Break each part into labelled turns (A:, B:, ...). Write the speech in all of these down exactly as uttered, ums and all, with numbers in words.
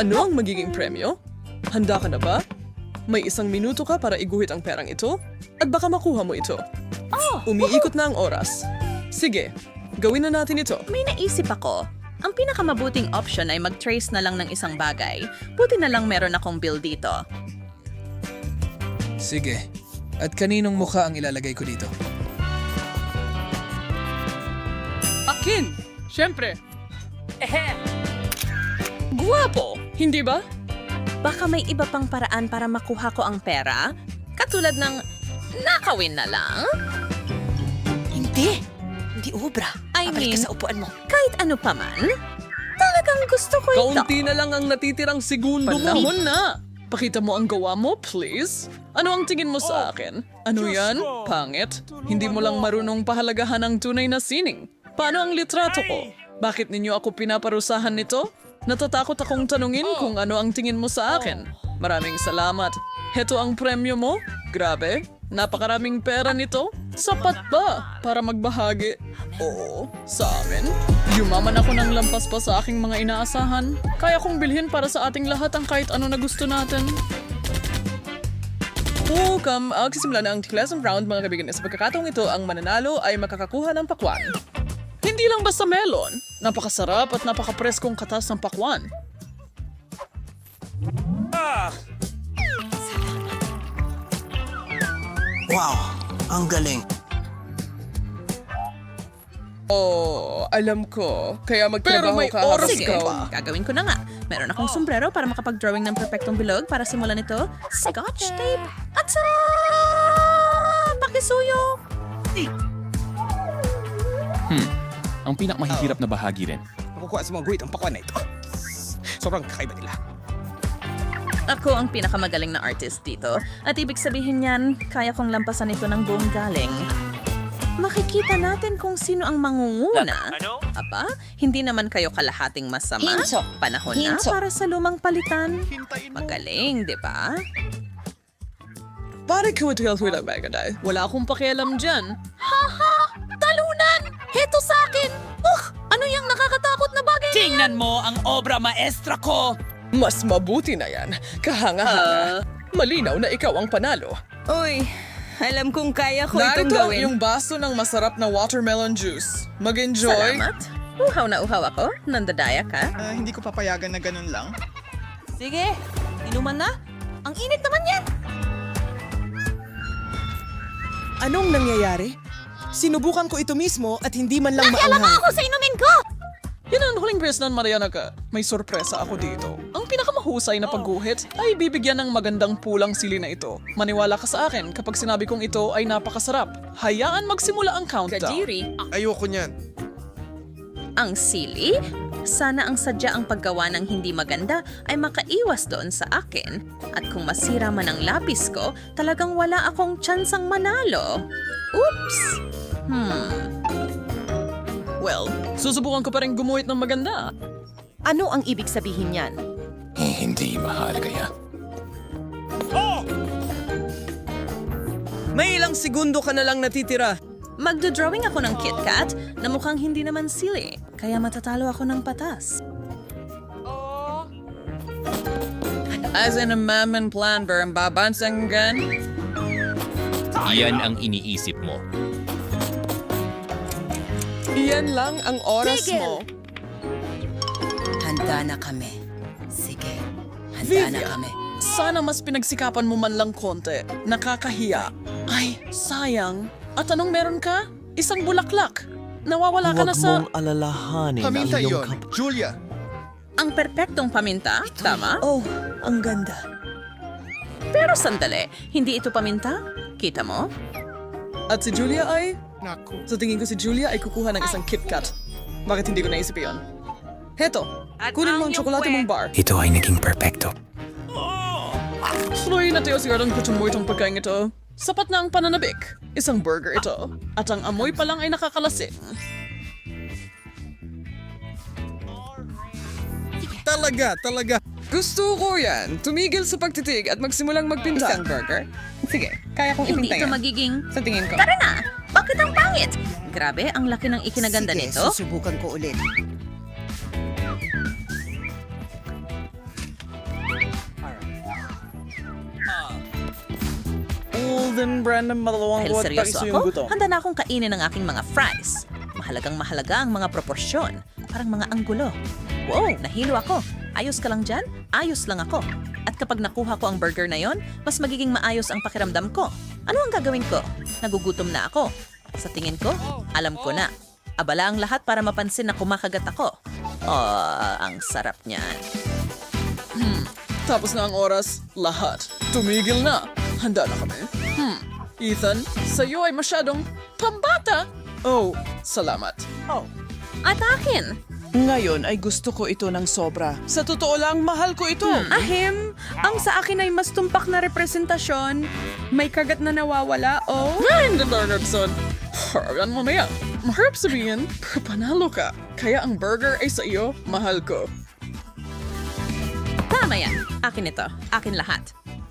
A: Ano ang magiging premyo? Handa ka na ba? May isang minuto ka para iguhit ang perang ito at baka makuha mo ito. Umiikot na ang oras. Sige, gawin na natin ito.
B: May naisip ako. Ang pinakamabuting option ay mag-trace na lang ng isang bagay. Buti na lang meron akong bill dito.
C: Sige. At kaninong mukha ang ilalagay ko dito?
A: Akin! Siyempre! Ehe! Guwapo! Hindi ba?
B: Baka may iba pang paraan para makuha ko ang pera? Katulad ng nakawin na lang?
D: Hindi. Hindi obra.
B: I
D: Babalik
B: mean,
D: ka sa upuan mo.
B: kahit ano pa man, talagang gusto ko ito.
A: Kaunti na lang ang natitirang segundo mo. Panahon na! Pakita mo ang gawa mo, please. Ano ang tingin mo sa akin? Ano yan? Pangit? Hindi mo lang marunong pahalagahan ang tunay na sining. Paano ang litrato ko? Bakit ninyo ako pinaparusahan nito? Natatakot akong tanungin kung ano ang tingin mo sa akin. Maraming salamat. Heto ang premyo mo? Grabe. Napakaraming pera nito. Sapat ba para magbahagi? Oo, sa amin. Yumaman ako ng lampas pa sa aking mga inaasahan. Kaya kong bilhin para sa ating lahat ang kahit ano na gusto natin. Welcome! Agsisimula na ang Classroom Round, mga kaibigan. Sa pagkakataong ito, ang mananalo ay makakakuha ng pakwan. Hindi lang basta melon. Napakasarap at napakapreskong katas ng pakwan.
E: Wow, ang galing.
A: Oh, alam ko. Kaya magtrabaho
C: may
A: ka
C: oras
A: habang
B: Sige,
A: ikaw.
B: gagawin ko na nga. Meron akong sombrero para makapag-drawing ng perfectong bilog para simulan ito. Scotch tape at sa pakisuyo.
F: Ang pinakamahihirap na bahagi rin.
E: Makukuha sa mga guhit ang pakwan na ito. Sobrang kakaiba nila.
B: Ako ang pinakamagaling na artist dito. At ibig sabihin niyan, kaya kong lampasan ito ng buong galing. Makikita natin kung sino ang mangunguna. Aba, hindi naman kayo kalahating masama.
D: Hinso.
B: Panahon
D: Hinso.
B: na para sa lumang palitan. Magaling, di ba?
A: Pare ko ito yung lang bagay. Wala akong pakialam dyan.
B: Haha! Talunan! Heto sa akin! Ugh! Ano yung nakakatakot na bagay na yan?
E: Tingnan mo ang obra maestra ko!
A: Mas mabuti na yan. Kahanga-hanga. Malinaw na ikaw ang panalo.
D: Uy, alam kong kaya ko itong
A: Narito
D: gawin.
A: yung baso ng masarap na watermelon juice. Mag-enjoy.
B: Salamat. Uhaw na uhaw ako. Nandadaya ka.
G: Ah, hindi ko papayagan na ganun lang.
D: Sige, inuman na. Ang init naman yan.
H: Anong nangyayari? Sinubukan ko ito mismo at hindi man lang maanghang.
D: Ako sa inumin ko!
A: Yan ang huling beses na Mariana ka. May sorpresa ako dito. Ang pinakamahusay na pagguhit ay bibigyan ng magandang pulang sili na ito. Maniwala ka sa akin kapag sinabi kong ito ay napakasarap. Hayaan magsimula ang countdown.
B: Kajiri,
I: Ayoko niyan.
B: ang sili? Sana ang sadya ang paggawa ng hindi maganda ay makaiwas doon sa akin. At kung masira man ang lapis ko, talagang wala akong tsansang manalo. Oops! Hmm.
A: Well, susubukan ko pa rin gumuhit ng maganda.
D: Ano ang ibig sabihin niyan?
F: Eh, hindi mahalaga yan.
H: May ilang segundo ka na lang natitira.
B: Magdodrawing ako ng KitKat na mukhang hindi naman sili, kaya matatalo ako ng patas.
A: As in a mammon plan ba ang babansang gan?
F: Iyan ang iniisip mo.
A: Iyan lang ang oras mo.
D: Handa na kami. Sige, handa na
A: Vivian,
D: kami.
A: sana mas pinagsikapan mo man lang konti. Nakakahiya. Ay, sayang. At anong meron ka? Isang bulaklak. Nawawala ka na sa...
H: alalahanin
I: Paminta yon. Julia,
B: Ang perpektong paminta, tama?
H: Oh, ang ganda.
B: Pero sandali, hindi ito paminta? Kita mo?
A: At si Julia ay...
I: naku.
A: Sa tingin ko si Julia ay kukuha ng isang KitKat. Bakit hindi ko naisip yon? Heto, kunin mo ang tsokolate mong bar.
E: Ito ay naging perpekto.
A: Sloy na tayo sigurong kutsumuy itong pagkain ito. Sapat na ang pananabik. Isang burger ito. At ang amoy pa lang ay nakakalasing.
I: Talaga, talaga.
A: Gusto ko yan. Tumigil sa pagtitig at magsimulang magpinta. Isang burger? Sige, kaya kong
B: Hindi
A: ipinta
B: ito
A: yan.
B: magiging...
A: Sa tingin ko.
B: Tara na! Bakit ang pangit? Grabe, ang laki ng ikinaganda
D: Sige,
B: nito.
D: susubukan ko ulit.
A: Golden brand ng malawang
B: Dahil
A: buhat
B: seryoso
A: pa yung
B: ako,
A: gutom.
B: handa na akong kainin ang aking mga fries. Mahalagang mahalaga ang mga proporsyon. Parang mga anggulo. Wow, nahilo ako. Ayos ka lang dyan? Ayos lang ako. At kapag nakuha ko ang burger na yon, mas magiging maayos ang pakiramdam ko. Ano ang gagawin ko? Nagugutom na ako. Sa tingin ko, alam ko na. Abala ang lahat para mapansin na kumakagat ako. Oh, ang sarap niyan.
A: Tapos na ang oras, lahat. Tumigil na. Handa na kami. Hmm. Ethan, sa'yo ay masyadong pambata. Oh, salamat.
B: At akin!
H: Ngayon ay gusto ko ito ng sobra. Sa totoo lang, mahal ko ito.
J: Ahim, ang sa akin ay mas tumpak na representasyon. May kagat na nawawala, oh.
A: Ay, hindi Bernardson. Haragan mamaya. Maharap sabihin, pero panalo ka. Kaya ang burger ay sa iyo, mahal ko.
B: Tama yan. Akin ito. Akin lahat.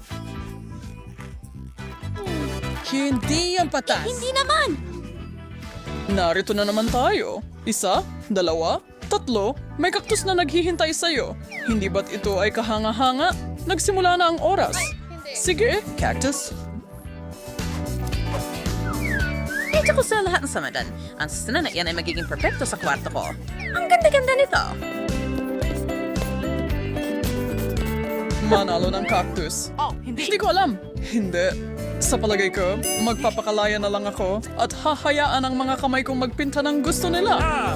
H: Hindi yan patas.
D: Hindi naman!
A: Narito na naman tayo. Isa, dalawa, tatlo, may kaktus na naghihintay sa'yo. Hindi ba't ito ay kahanga-hanga? Nagsimula na ang oras. Sige, cactus.
B: Medyo ko sa lahat ng samadan. Ang susunod na yan ay magiging perfecto sa kwarto ko. Ang ganda-ganda nito.
A: Manalo ng cactus.
D: Oh, hindi.
A: Hindi ko alam. Hindi. Sa palagay ko, magpapakalaya na lang ako at hahayaan ang mga kamay kong magpinta ng gusto nila.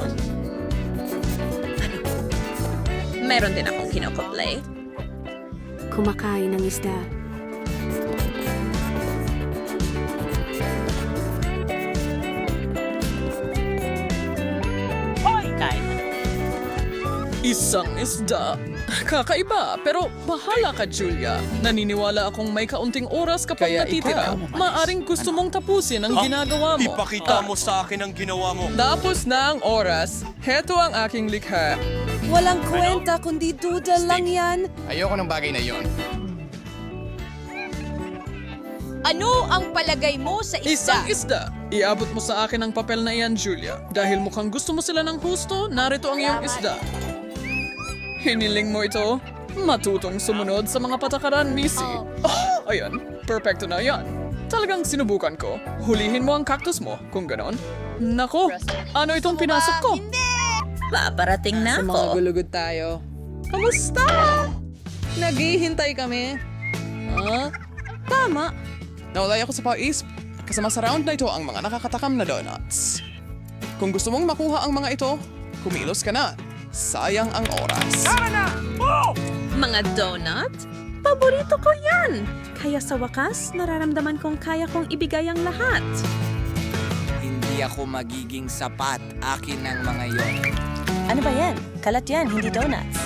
B: Meron din akong kinokoplay.
J: Kumakain ng isda.
A: Isang isda. Kakaiba, pero bahala ka, Julia. Naniniwala akong may kaunting oras kapag
C: Kaya
A: natitira.
C: ikaw,
A: Maaring gusto mong tapusin ang ginagawa mo.
E: Ipakita
A: Ah,
E: mo sa akin ang ginawa mo.
A: Tapos na ang oras. Heto ang aking likha.
J: Walang kwenta, kundi duda lang yan.
C: Ayoko ng bagay na yon.
D: Ano ang palagay mo sa
A: Isang
D: isda?
A: isda. Iabot mo sa akin ang papel na iyan, Julia. Dahil mukhang gusto mo sila ng husto, narito ang iyong isda. Hiniling mo ito? Matutong sumunod sa mga patakaran, Missy. Oh, ayan. Perfecto na yan. Talagang sinubukan ko. Hulihin mo ang cactus mo, kung ganon. Nako, ano itong pinasok ko?
B: Paparating na
H: Sa mga
B: ako.
H: gulugod tayo.
A: Kamusta? Naghihintay kami. Ah, tama. Naulay ako sa pais. Kasama sa round na ito ang mga nakakatakam na donuts. Kung gusto mong makuha ang mga ito, kumilos ka na. Sayang ang oras.
B: Mga donut? Paborito ko yan! Kaya sa wakas, nararamdaman kong kaya kong ibigay ang lahat.
C: Hindi ako magiging sapat. Akin ang mga yon.
J: Ano ba yan? Kalat yan, hindi donuts.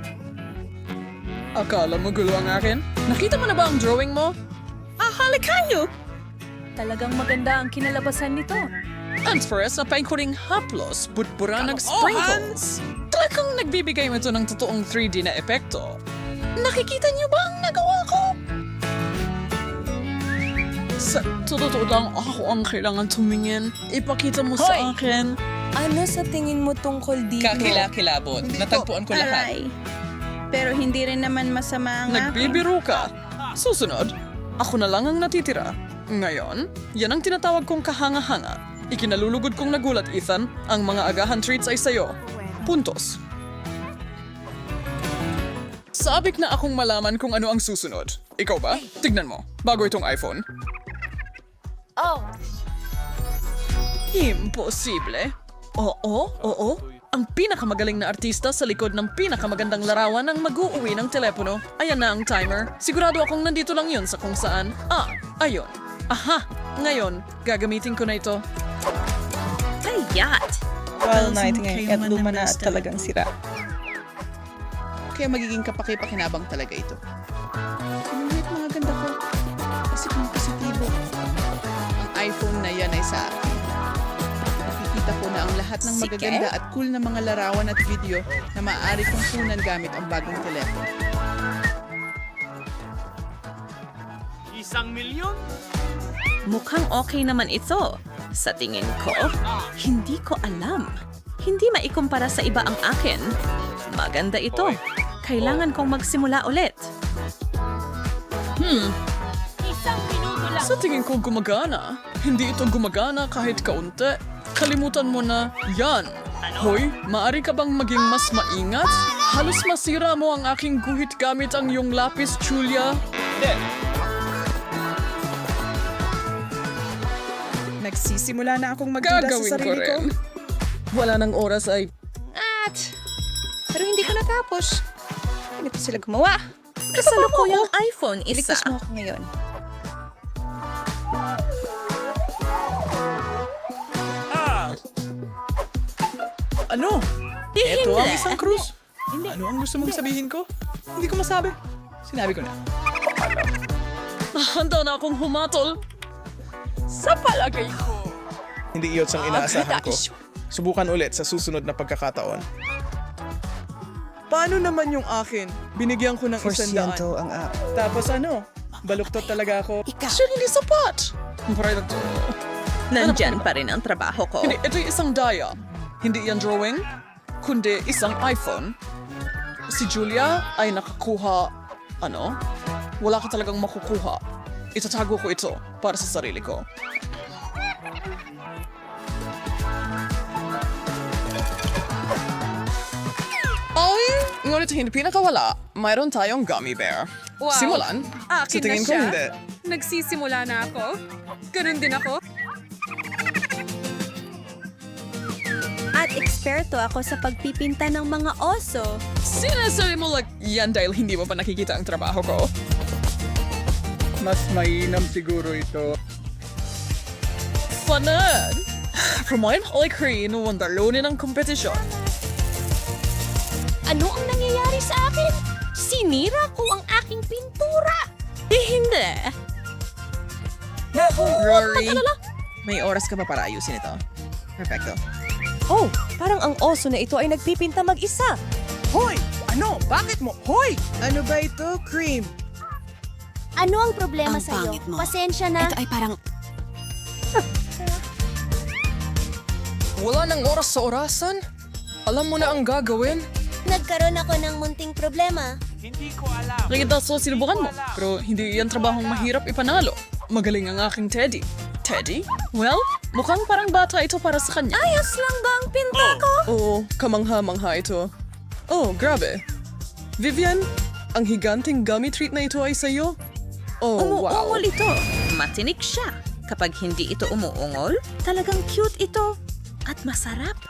A: Akala mo gulo ang akin? Nakita mo na ba ang drawing mo?
J: Ahalikanyo! Talagang maganda ang kinalabasan nito.
A: Ang Express na paingkuring haplos, butbura ng sprinkles. Talagang nagbibigay mo ito ng totoong three D na epekto. Nakikita niyo ba ang nagawa ko? Sa totoo lang, ako ang kailangan tumingin. Ipakita mo sa akin.
J: Ano sa tingin mo tungkol dito?
C: Kakilakilabot. Natagpuan ko lahat.
J: Aray. Pero hindi rin naman masama ang
A: Nagbibiro ka. Susunod, ako na lang ang natitira. Ngayon, yan ang tinatawag kong kahanga-hanga. Ikinalulugod kong nagulat, Ethan. Ang mga agahan treats ay sayo. Puntos. Sabik na akong malaman kung ano ang susunod. Ikaw ba? Tignan mo. Bago itong iPhone.
D: Oh,
A: Imposible. Oo, oo. Ang pinakamagaling na artista sa likod ng pinakamagandang larawan ang mag-uuwi ng telepono. Ayan na ang timer. Sigurado akong nandito lang yun sa kung saan. Ah, ayun. Aha! Ngayon, gagamitin ko na ito.
B: Tayat!
H: Well, nightingale at luma na at talagang sira.
G: Kaya magiging kapaki-pakinabang talaga ito. Kumulit mga ganda ko. Kasi kung positibo. Ang iPhone na yan ay sa akin. Nakikita ko na ang lahat ng
B: Sige.
G: magaganda at cool na mga larawan at video na maaari kong kunan gamit ang bagong telepono.
B: Mukhang okay naman ito. Sa tingin ko, hindi ko alam. Hindi maikumpara sa iba ang akin. Maganda ito. Kailangan kong magsimula ulit. Hmm,
D: isang minuto lang.
A: Sa tingin ko gumagana. Hindi ito gumagana kahit kaunti. Kalimutan mo na yan. Hoy, maari ka bang maging mas maingat? Halos masira mo ang aking guhit gamit ang iyong lapis, Julia.
H: Nagsisimula na akong magduda
A: Gagawin
H: sa
A: ko
H: sarili ko.
A: rin. Wala nang oras ay...
D: At, pero hindi ko natapos. Ganito sila gumawa.
B: Kasalukuyang iPhone isa.
D: Iligtas mo ako ngayon.
G: Ano? Ito ang
B: Hindi.
G: isang krus. Ano ang gusto mong sabihin ko? Hindi ko masabi. Sinabi ko na.
A: Handa na akong humatol. Sa palagay ko.
E: Hindi iyot ang inaasahan ko. Subukan ulit sa susunod na pagkakataon.
H: Paano naman yung akin? Binigyan ko ng isandaan.
G: Porsyento ang app.
H: Tapos ano? Baluktot talaga ako.
A: Siya hindi sapat. Para ito.
B: Nandyan pa rin ang trabaho ko.
A: Hindi, ito isang daya. Hindi yan drawing, kundi isang iPhone. Si Julia ay nakakuha, ano? Wala ka talagang makukuha. Itatago ko ito para sa sarili ko. Ay, ngunit hindi pinakawala. Mayroon tayong gummy bear.
J: Wow.
A: Simulan.
J: Akin
E: Sa tingin
J: na
E: ko
J: siya.
E: hindi.
J: Nagsisimula na ako. Ganun din ako.
K: At eksperto ako sa pagpipinta ng mga oso.
A: Sinasabi mo like, yan dahil hindi mo pa nakikita ang trabaho ko.
I: Mas mainam siguro ito.
A: Fanan! Promoin Holy Crane, wandalunin ang kompetisyon.
K: Ano ang nangyayari sa akin? Sinira ko ang aking pintura.
B: Eh, hindi.
G: Rory, may oras ka pa para ayusin ito. Perfecto.
K: Oh, parang ang oso na ito ay nagpipinta mag-isa.
H: Hoy! Ano? Bakit mo? Hoy! Ano ba ito? Cream.
K: Ano ang problema sa iyo? Pasensya na. Ito ay parang...
A: Wala nang oras sa orasan? Alam mo na ang gagawin?
K: Nagkaroon ako ng munting problema.
A: Nakita so sinubukan mo. Pero hindi yan trabahong mahirap ipanalo. Magaling ang aking Teddy. Teddy? Well, mukhang parang bata ito para sa kanya.
K: Ayos lang ba ang pinta ko?
A: Oo, kamangha-mangha ito. Oh, grabe. Vivian, ang higanting gummy treat na ito ay sa'yo? Oh, wow.
B: Umuungol ito. Matinik siya. Kapag hindi ito umuungol, talagang cute ito. At masarap.